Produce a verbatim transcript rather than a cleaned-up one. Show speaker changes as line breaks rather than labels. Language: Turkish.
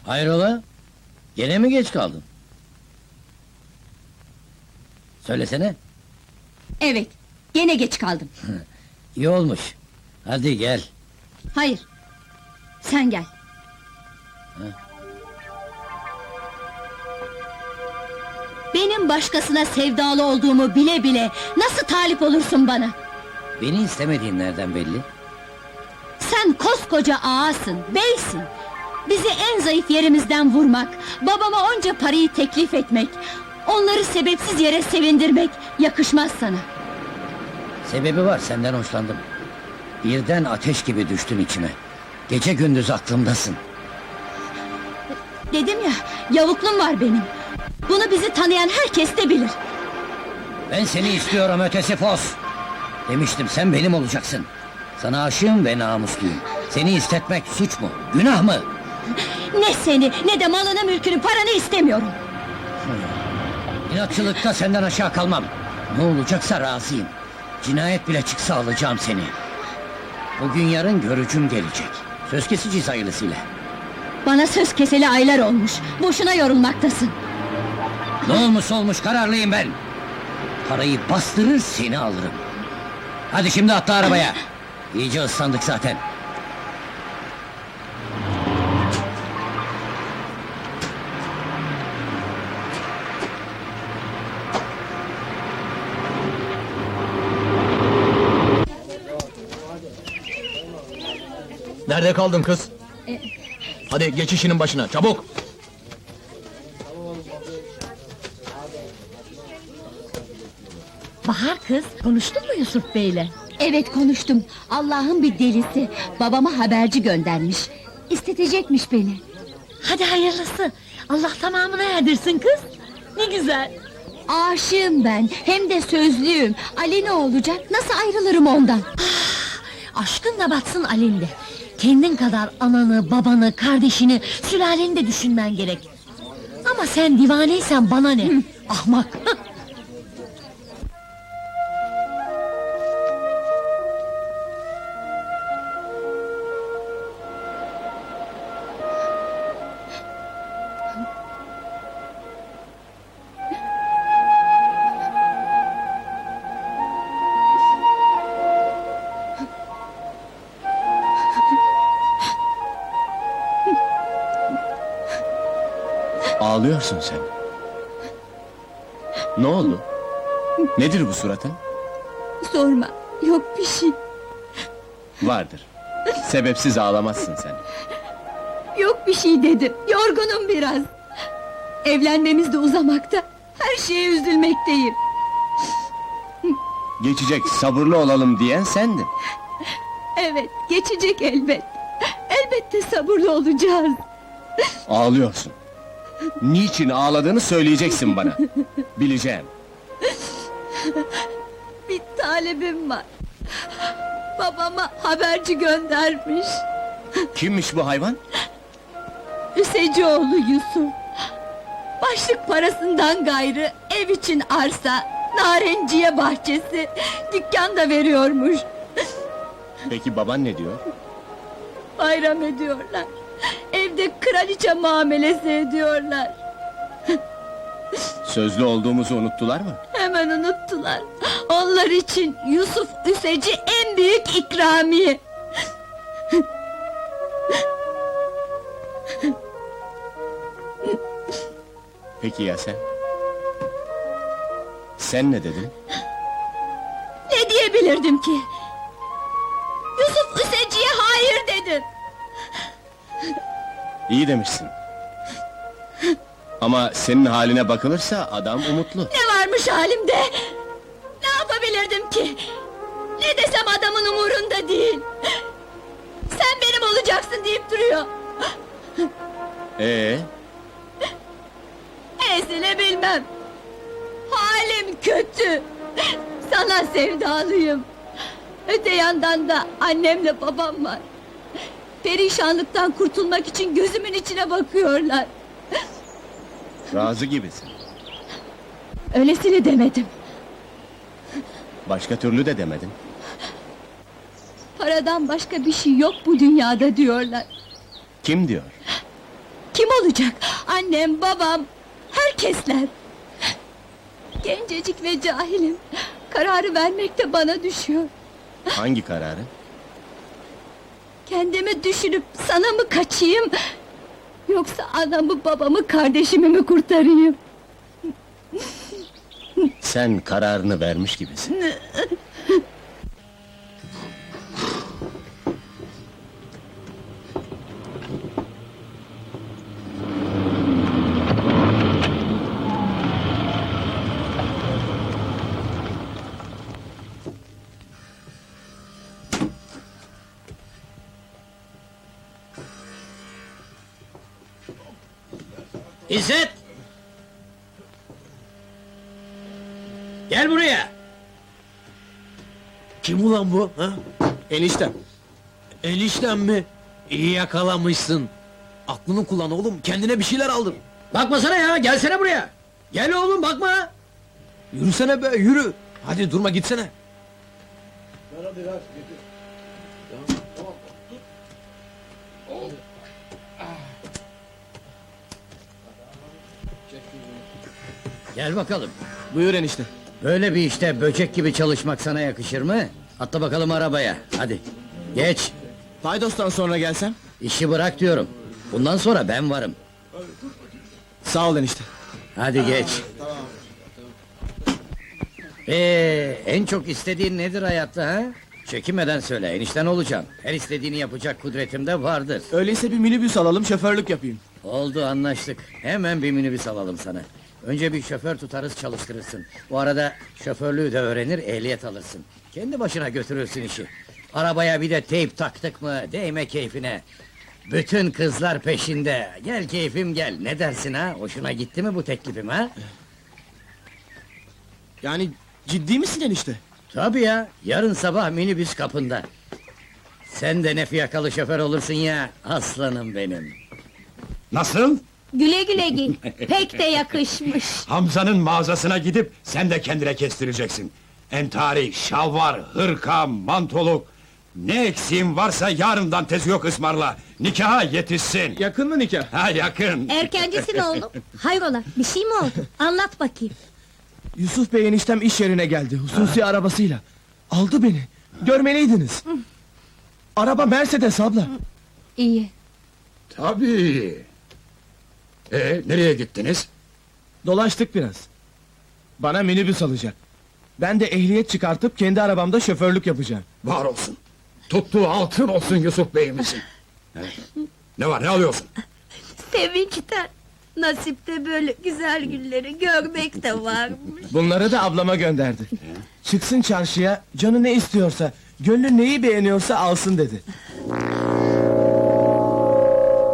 Hayrola? Gene mi geç kaldın? Söylesene.
Evet, gene geç kaldım.
İyi olmuş. Hadi gel.
Hayır, sen gel. Benim başkasına sevdalı olduğumu bile bile nasıl talip olursun bana?
Beni istemediğin nereden belli?
Sen koskoca ağasın, beysin. Bizi en zayıf yerimizden vurmak, babama onca parayı teklif etmek, onları sebepsiz yere sevindirmek yakışmaz sana.
Sebebi var, senden hoşlandım. Birden ateş gibi düştün içime. Gece gündüz aklımdasın.
Dedim ya, yavuklum var benim. Bunu bizi tanıyan herkes de bilir.
Ben seni istiyorum ötesi fos. Demiştim, sen benim olacaksın. Sana aşığım ve namusluyum. Seni istetmek suç mu, günah mı?
Ne seni, ne de malını, mülkünü, paranı istemiyorum.
İnatçılıkta senden aşağı kalmam. Ne olacaksa razıyım. Cinayet bile çıksa alacağım seni. Bugün yarın görücüm gelecek. Söz keseceğiz hayırlısıyla.
Bana söz keseli aylar olmuş. Boşuna yorulmaktasın.
Ne olmuş olmuş, kararlıyım ben. Parayı bastırır, seni alırım. Hadi şimdi atla arabaya. İyice ıslandık zaten.
Nerede kaldın kız? Hadi geç işinin başına, çabuk!
Bahar kız, konuştun mu Yusuf Bey'le? Evet konuştum. Allah'ın bir delisi. Babama haberci göndermiş. İstetecekmiş beni.
Hadi hayırlısı. Allah tamamına erdirsin kız. Ne güzel.
Aşığım ben, hem de sözlüyüm. Ali ne olacak? Nasıl ayrılırım ondan?
Aşkın da batsın Alinde. Kendin kadar ananı, babanı, kardeşini, sülaleni de düşünmen gerek. Ama sen divaneysen bana ne? Ahmak!
Ağlıyorsun sen. Ne oldu? Nedir bu suratın?
Sorma, yok bir şey.
Vardır. Sebepsiz ağlamazsın sen.
Yok bir şey dedim, yorgunum biraz. Evlenmemiz de uzamakta. Her şeye üzülmekteyim.
Geçecek, sabırlı olalım diyen sendin.
Evet, geçecek elbet. Elbette sabırlı olacağız.
Ağlıyorsun. Niçin ağladığını söyleyeceksin bana. Bileceğim.
Bir talebim var. Babama haberci göndermiş.
Kimmiş bu hayvan?
Üsecioğlu Yusuf. Başlık parasından gayrı ev için arsa, narenciye bahçesi, dükkan da veriyormuş.
Peki baban ne diyor?
Bayram ediyorlar. Evde kraliçe muamelesi ediyorlar.
Sözlü olduğumuzu unuttular mı?
Hemen unuttular. Onlar için Yusuf Üseci en büyük ikramiye.
Peki ya sen? Sen ne dedin?
Ne diyebilirdim ki? Yusuf Üseci'ye hayır dedim.
İyi demişsin. Ama senin haline bakılırsa adam umutlu.
Ne varmış halimde? Ne yapabilirdim ki? Ne desem adamın umurunda değil. Sen benim olacaksın deyip duruyor.
Ee,
Esile bilmem. Halim kötü. Sana sevdalıyım. Öte yandan da annemle babam var. Perişanlıktan kurtulmak için gözümün içine bakıyorlar.
razı gibisin.
Öylesini demedim.
Başka türlü de demedin.
Paradan başka bir şey yok bu dünyada diyorlar.
Kim diyor?
Kim olacak? Annem, babam, herkesler. Gencecik ve cahilim. Kararı vermek de bana düşüyor.
Hangi kararı?
Kendimi düşünüp sana mı kaçayım? Yoksa anamı, babamı, kardeşimi mi kurtarayım?
Sen kararını vermiş gibisin.
İzzet! Gel buraya!
Kim ulan bu? Ha?
Eniştem.
Enişten mi? İyi yakalamışsın. Aklını kullan oğlum, kendine bir şeyler aldın.
Bakmasana ya, gelsene buraya! Gel oğlum, bakma!
Yürüsene be, yürü! Hadi durma gitsene.
Gel bakalım.
Buyur enişte.
Böyle bir işte böcek gibi çalışmak sana yakışır mı? Atla bakalım arabaya, hadi! Geç!
Paydos'tan sonra gelsem?
İşi bırak diyorum. Bundan sonra ben varım.
Sağ ol enişte.
Hadi geç. Ee, en çok istediğin nedir hayatta ha? Çekinmeden söyle, enişten olacağım. Her istediğini yapacak kudretim de vardır.
Öyleyse bir minibüs alalım, şoförlük yapayım.
Oldu, anlaştık. Hemen bir minibüs alalım sana. Önce bir şoför tutarız, çalıştırırsın. Bu arada şoförlüğü de öğrenir, ehliyet alırsın. Kendi başına götürürsün işi. Arabaya bir de teyp taktık mı, değme keyfine. Bütün kızlar peşinde. Gel keyfim gel. Ne dersin ha? Hoşuna gitti mi bu teklifim ha?
Yani ciddi misin enişte?
Tabii ya. Yarın sabah minibüs kapında. Sen de ne fiyakalı şoför olursun ya. Aslanım benim.
Nasıl?
Güle güle git. Pek de yakışmış.
Hamza'nın mağazasına gidip sen de kendine kestireceksin. Entari, şalvar, hırka, mantoluk... Ne eksiğin varsa yarından tezi yok ısmarla. Nikaha yetişsin.
Yakın mı nikah?
Ha yakın.
Erkencisin oğlum. Hayrola, bir şey mi oldu? Anlat bakayım.
Yusuf Bey eniştem iş yerine geldi, hususi arabasıyla. Aldı beni, görmeliydiniz. Araba Mercedes abla.
İyi.
Tabii. Ee, nereye gittiniz?
Dolaştık biraz. Bana minibüs alacak. Ben de ehliyet çıkartıp kendi arabamda şoförlük yapacağım.
Var olsun. Tuttuğu altın olsun Yusuf Bey'imizin. Evet. Ne var, ne alıyorsun?
Sevinçten, nasipte böyle güzel günleri görmek de varmış.
Bunları da ablama gönderdi. Çıksın çarşıya, canı ne istiyorsa, gönlü neyi beğeniyorsa alsın dedi.